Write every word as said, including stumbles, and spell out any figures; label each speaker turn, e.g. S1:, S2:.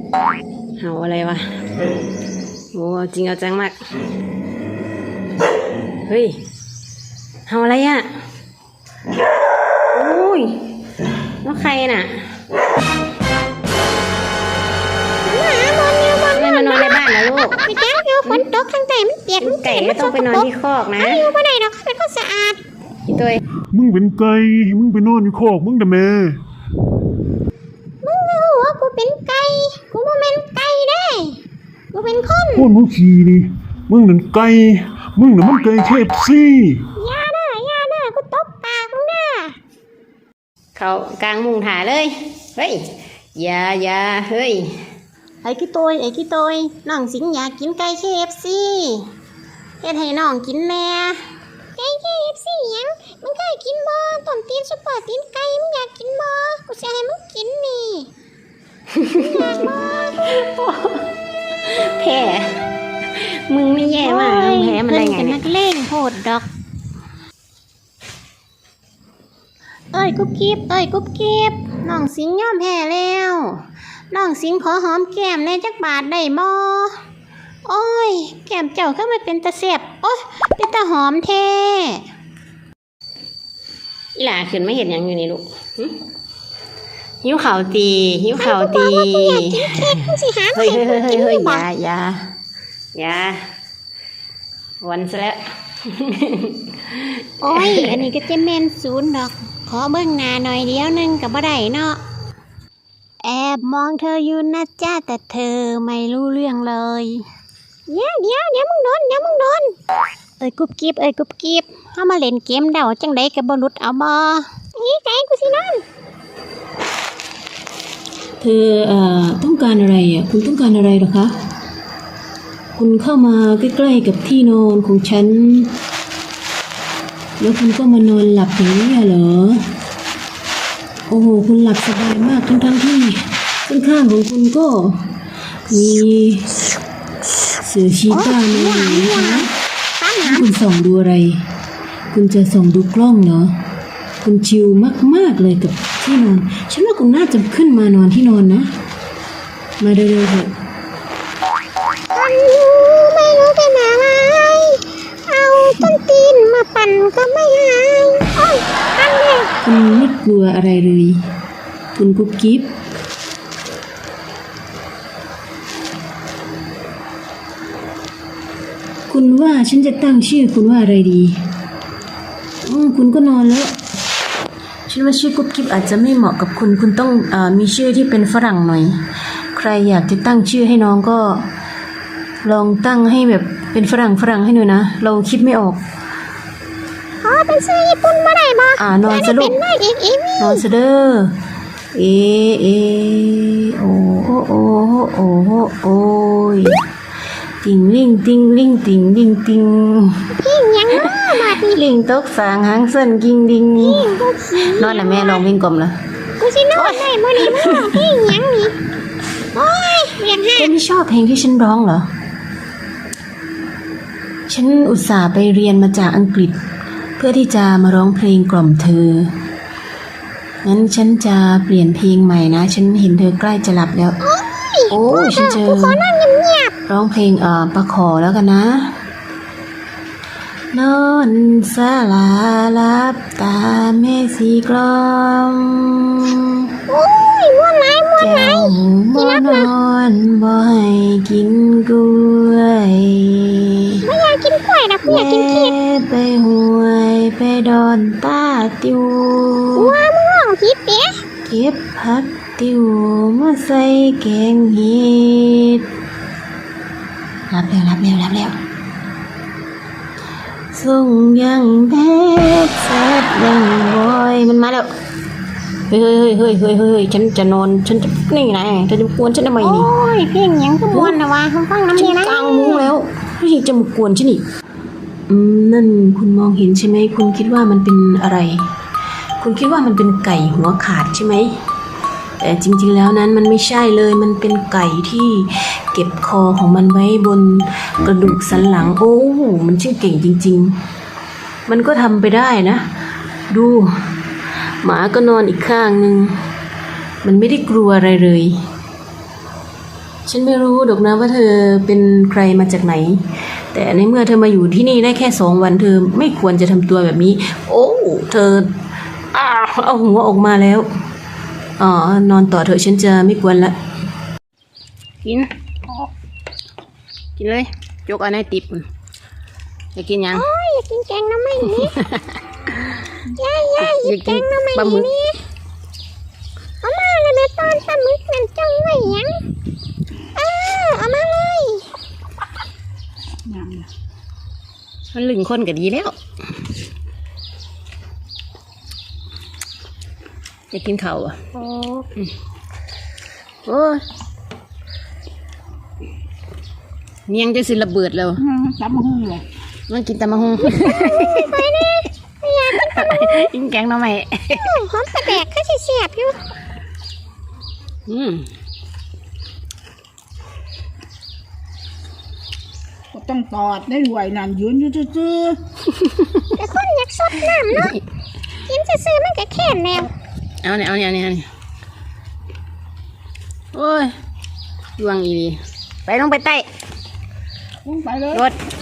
S1: เห่าอะไรวะโอ้จริงเอาจังมากเฮ้ยเห่าอะไรอ่ะโอ้ยแล้วใครน่ะไม่มานอนในบ้านนะลูก
S2: ไม่จ้าเดี๋ยวฝนตกข้างใต้มันเปียกมัน
S1: ไก่ไม่ต้องไปนอนที่คอกนะ
S2: อยู่บ่ได้ดอกเป็นคนสะอาด
S1: พี่ตัว
S3: มึงเป็นไก่มึงไปนอนอยู่คอกมึงแต่แม่
S2: มึงรู้ว่ากูเป็นไก่กูบ่แม่นไก่ได้กูเป็นคน
S3: โคตรมึงขี้นี่มึงนั่นไก่มึงน่ะมันไก่เคฟซี
S2: อย่าเด้ออย่าเด้อกูตบปากมึงเด้อ
S1: เขากลางมุงถ่าเลยเฮ้ยอย่าอย่าเฮ้ย
S2: ไอ้กี่ตัวไอ้กี่ตัวน้องสิงอยากกินไก่ เค เอฟ ซี เฮ็ดให้น้องกินแน่ไก่ เค เอฟ ซี หยังมึงเคยกินบ่ต้มตีนซุปเปอร์ตีนไก่มึงอยากกินบ่กูสิให้มึงกินนี่อยากบ่
S1: แพ้มึงไม่แย่มากมึงแพ้มันได้ไง
S2: เนี่ยเพิ่นเป็นนักเลงโหดดอกเอ้ยกุ๊บกิ๊บเอ้ยกุ๊บกิ๊บน้องสิงยอมแพ้แล้วน้องสิงขอหอมแก้มในจักบาทได้บ่โอ้ยแก้มเจ้าก็ไม่เป็นตาแซ่บโอ้ยเป็นตาหอมแท้
S1: อีหล่าขึ้นไม่เห็นยังอยู่นี่ลูกหิวข่าวตีหิวข่าวตีเฮ้ยเฮ้ยเฮ้ยเฮ้ยอย่าอย่าอย่าวันซะแล้ว
S2: โอ้ยอันนี้ก็จะแม่นศูนย์ดอกขอเบิ่งหน้าหน่อยเดียวนึงก็บ่ได้เนาะแอบมองเธออยู่นะจ้าแต่เธอไม่รู้เรื่องเลยเดี๋ยวเดี๋ยวเดี๋ยวมึงโดนเดี๋ยวมึงโดนเอ้ยกุบกิบเอ้ยกุบกิบเฮามาเล่นเกมเดาจังได๋ก็บ่หลุดเอาบ่นี่ไก่กูสินอน
S4: เธอเอ่อต้องการอะไรอ่ะคุณต้องการอะไรหรอคะคุณเข้ามาใกล้ๆกับที่นอนของฉันแล้วคุณก็มานอนหลับอย่างนี้เหรอโอ้โหคุณหลับสบายมากทั้งๆที่ข้างๆของคุณก็มีเสือชีต้ามาอยู่นะคะคุณส่องดูอะไรคุณจะส่องดูกล้องเนาะคุณชิลมากๆเลยกับที่นอนฉันว่าคุณน่าจะขึ้นมานอนที่นอนนะมาเร็วๆเถอะ
S2: ไม่รู้เป็นอะไรเอาต้นตีนมาปั่นก็ไม่หายโอ้ยอันนี้
S4: คุณไม่กลัวอะไรเลยคุณกุ๊บกิ๊บคุณว่าฉันจะตั้งชื่อคุณว่าอะไรดีอืมคุณก็นอนแล้วฉันว่าชื่อกุ๊บกิ๊บอาจจะไม่เหมาะกับคุณคุณต้องเอ่อมีชื่อที่เป็นฝรั่งหน่อยใครอยากจะตั้งชื่อให้น้องก็ลองตั้งให้แบบเป็นฝรั่งฝรั่งให้หน่อยนะเราคิดไม่ออก
S2: อ๋อเป็นชื่อญี่ปุ่นบ่ได้บ่
S4: อ่านอนซะลูกนอนซะเด้อเอเอโอโอโอโอโอโยติงลิงติงลิงติงลิงติง
S2: พิงยังมาดิ
S4: ลิงตกสางหางสั้นกิงดิงนอนแล้วแม่ลองวิ่งกลมละ
S2: กูสินอนได้มื้อนี้มึงพิงยังนี่โอ้ยเวียนหัว
S4: เธอไม่ชอบเพลงที่ฉันร้องเหรอฉันอุตส่าห์ไปเรียนมาจากอังกฤษเพื่อที่จะมาร้องเพลงกล่อมเธองั้นฉันจะเปลี่ยนเพลงใหม่นะฉันเห็นเธอใกล้จะหลับแล้วโอ้ยฉันจะร้องเพลงเอ่อประขอแล้วกันนะนอนสลาลับตาแม่สีกลอม
S2: โอ้ยม่วนไหนม่วนไหน
S4: บ่นอนบ่ให้กินกล้วย
S2: ไม่อยากกินกล้วยนะกูอยากกินเค้ก
S4: ไปห้วยไปดอนตาติว
S2: ว้ามึงร้องผิดเด้
S4: เก็บผักติวมาใส่แกงเห็ดรับแล้วรับแล้วรับแล้วส่งยังแบดแซดยังบอยมันมาแล้วเฮ้ยเฮ้ยเฮ้ยเฮ้ยเฮ้ยฉันจะนอนฉันจะนี่ไงเธอจะมากวนฉันทำไมนี่
S2: โอ้ยเพียงยังก็ม่วนนะวะฟังน้ำ
S4: นี่
S2: นะ
S4: กลางมุ้งแล้วไม่ใช่จะมากวนฉันอีกอืมนั่นคุณมองเห็นใช่ไหมคุณคิดว่ามันเป็นอะไรคุณคิดว่ามันเป็นไก่หัวขาดใช่ไหมแต่จริงๆแล้วนั้นมันไม่ใช่เลยมันเป็นไก่ที่เก็บคอของมันไว้บนกระดูกสันหลังโอ้มันชื่อเก่งจริงๆมันก็ทำไปได้นะดูหมาก็นอนอีกข้างนึงมันไม่ได้กลัวอะไรเลยฉันไม่รู้ดอกนะว่าเธอเป็นใครมาจากไหน แต่ในเมื่อเธอมาอยู่ที่นี่ได้แค่สองวันเธอไม่ควรจะทำตัวแบบนี้ โอ้เธออ้าวเอาหัวออกมาแล้วอ๋อนอนต่อเถอะฉันจะไม่กวนละ
S1: กิน กินเลยยกเอันให้ติบจะกินยัง
S2: โอ้ยอยากกินแกงหน้ำไม่นี่ย่าย่าอยากแกงหน้ำไม่
S1: ปลาหมึก
S2: นี่เอามาเลยแม่ตอนปลาหมึกนั่นจ้องไว้หยังเออเอามาเลย
S1: มันลึงคนก็ดีแล้วจะกินข้าวอ่ะ
S2: โอ้
S1: โอ้ยเนียงจะสิระเบิดแล้ว
S5: ตำมะฮุ่งเลย
S1: มันกินตำมะฮง
S2: ไปนี่ไม่อยากกินปลาหมึก
S1: กินแกงหน่อไม้
S2: หอมปลาแดกเขาเสียบๆอยู่
S1: อืม
S5: ก็ต้องตอดได้รวยนั่นยืนอยู่ซื่อ
S2: แต่คนอยากสดน้ำเนาะกินซื่อๆมันก็แค่นแล้ว
S1: เอาเนี่ยเอาเนี่ยเอาเนี่ยเอาเนี่ยโอ้ยดวงอีหลีไปลงไปใต้
S5: ๆลงไปเลย
S1: รถ